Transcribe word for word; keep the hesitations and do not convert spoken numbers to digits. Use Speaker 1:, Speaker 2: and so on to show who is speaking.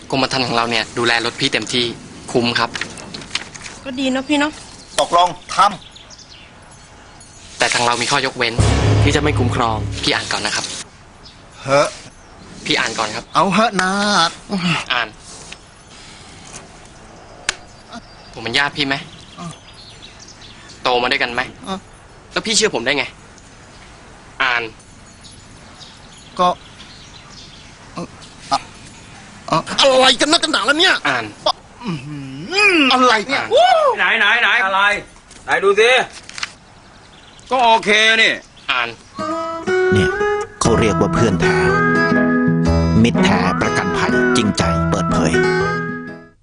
Speaker 1: กรมธรรม์ของเราเนี่ยดูแลรถพี่เต็มที่คุ้มครับ
Speaker 2: ก็ดีเนาะพี่เนาะ
Speaker 3: ตกลงท
Speaker 1: ำแต่ทางเรามีข้อยกเว้นที่จะไม่คุ้มครองพี่อ่านก่อนนะครับ
Speaker 3: เฮ้อ
Speaker 1: พี่อ่านก่อนครับ
Speaker 3: เอาเฮ้อนา
Speaker 1: อ่านผมเป็นญาติพี่ไหมโตมาด้วยกันไหมแล้วพี่เชื่อผมได้ไงอ่าน
Speaker 3: ก็อะไรกันนักกันหนาแล้วเนี่ย
Speaker 1: อ่าน
Speaker 3: อะไรเนี่ย
Speaker 4: ไหนไหนไหนอะไรไหนดูสิก็โอเคนี่
Speaker 1: อ่าน
Speaker 5: เนี่ยเขาเรียกว่าเพื่อนแท้มิตรแท้ประกันภัยจริงใจเปิดเผย